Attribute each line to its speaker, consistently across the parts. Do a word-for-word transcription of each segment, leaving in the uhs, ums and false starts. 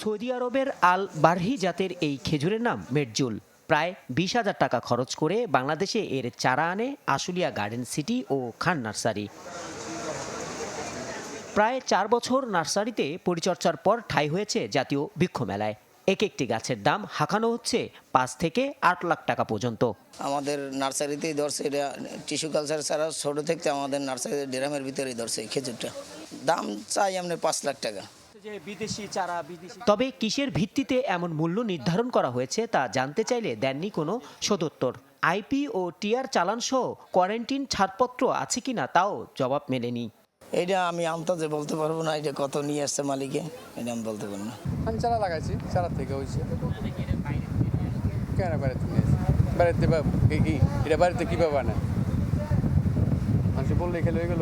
Speaker 1: Saudi আরবের আল বারহি জাতের এই খেজুরের নাম মেটজুল। প্রায় বিশ হাজার টাকা খরচ করে বাংলাদেশে এর চারা আনে আশুলিয়া গার্ডেন সিটি ও খান নার্সারি। প্রায় চার বছর নার্সারিতে পরিচর্যার পর ঠাঁই হয়েছে জাতীয় বৃক্ষ মেলায়। এক একটি গাছের দাম হাঁকানো হচ্ছে পাঁচ থেকে আট লাখ টাকা পর্যন্ত।
Speaker 2: আমাদের নার্সারিতেই ধরছে এটা, টিস্যু কালচার ছাড়া ছোটো থেকে আমাদের নার্সারিতে ড্রামের ভিতরেই ধরছে এই খেজুরটা। দাম চাই আমরা পাঁচ লাখ টাকা।
Speaker 1: তবে কিসের ভিত্তিতে এমন মূল্য নির্ধারণ করা হয়েছে তা জানতে চাইলে দেননি কোনো সদুত্তর। আইপি ও টিআর চালান সহ কোয়ারেন্টিন ছাড়পত্র আছে কিনা তাও জবাব মেলেনি।
Speaker 2: এটা আমি আন্দাজে বলতে পারবো না, এটা কত নিয়ে আসছে মালিকে, এটা আমি বলতে পারবো না।
Speaker 3: আমি চারা লাগাইছি, চারা থেকে হয়েছে কেন বাড়িতে নিয়ে আসি, বাড়িতে এটা বাড়িতে কীভাবে আনে মানুষ বললে খেলে হয়ে গেল।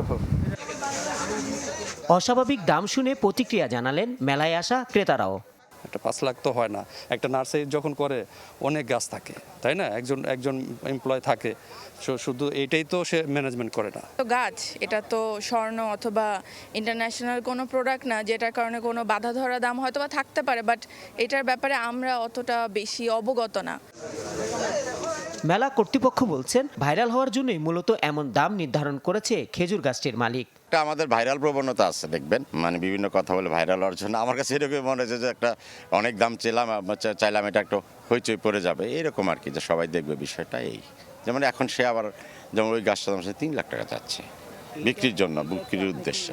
Speaker 1: অস্বাভাবিক দাম শুনে প্রতিক্রিয়া জানালেন মেলায় আসা ক্রেতারাও।
Speaker 4: একটা পাঁচ লাখ তো হয় না, একটা নার্সারি যখন করে অনেক গাছ থাকে, তাই না, একজন একজন এমপ্লয় থাকে, শুধু এইটাই তো সে ম্যানেজমেন্ট করে না।
Speaker 5: তো গাছ এটা তো স্বর্ণ অথবা ইন্টারন্যাশনাল কোনো প্রোডাক্ট না, যেটার কারণে কোনো বাধা ধরা দাম হয়তো বা থাকতে পারে, বাট এটার ব্যাপারে আমরা অতটা বেশি অবগত না।
Speaker 1: মেলা কর্তৃপক্ষ বলছেন ভাইরাল হওয়ার জন্যই মূলত এমন দাম নির্ধারণ করেছে খেজুর গাছটির মালিক।
Speaker 6: আমাদের ভাইরাল প্রবণতা আছে দেখবেন, মানে বিভিন্ন কথা বলে ভাইরাল হওয়ার জন্য। আমার কাছে এরকম মনে হচ্ছে যে একটা অনেক দাম চাইলাম চাইলাম এটা একটু হইচই পড়ে যাবে, এরকম আর কি, যে সবাই দেখবে বিষয়টা। এই যেমন এখন সে আবার যেমন ওই গাছটা দাম তিন লাখ টাকা যাচ্ছে বিক্রির জন্য, বিক্রির উদ্দেশ্যে।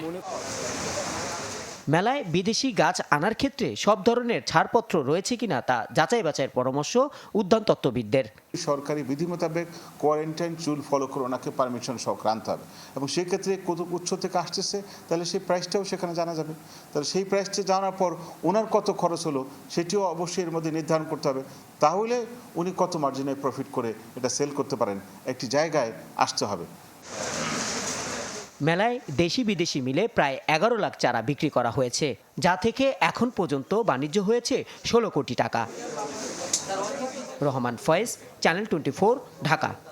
Speaker 1: মেলায় বিদেশি গাছ আনার ক্ষেত্রে সব ধরনের ছাড়পত্র রয়েছে কিনা তা যাচাই বাছাইয়ের পরামর্শ উদ্যানতত্ত্ববিদদের।
Speaker 7: সরকারি বিধি মোতাবেক কোয়ারেন্টাইন চুল ফলো করে ওনাকে পারমিশন সংক্রান্ত হবে, এবং সেক্ষেত্রে কত উৎস থেকে আসতেছে তাহলে সেই প্রাইসটাও সেখানে জানা যাবে। তাহলে সেই প্রাইসটা জানার পর ওনার কত খরচ হলো সেটিও অবশ্যই এর মধ্যে নির্ধারণ করতে হবে। তাহলে উনি কত মার্জিনে প্রফিট করে এটা সেল করতে পারেন, একটি জায়গায় আসতে হবে।
Speaker 1: মেলায় দেশি বিদেশি মিলে প্রায় এগারো লাখ চারা বিক্রি করা হয়েছে, যা থেকে এখন পর্যন্ত বাণিজ্য হয়েছে ষোলো কোটি টাকা। Rahman Faiz, Channel Twenty Four, Dhaka.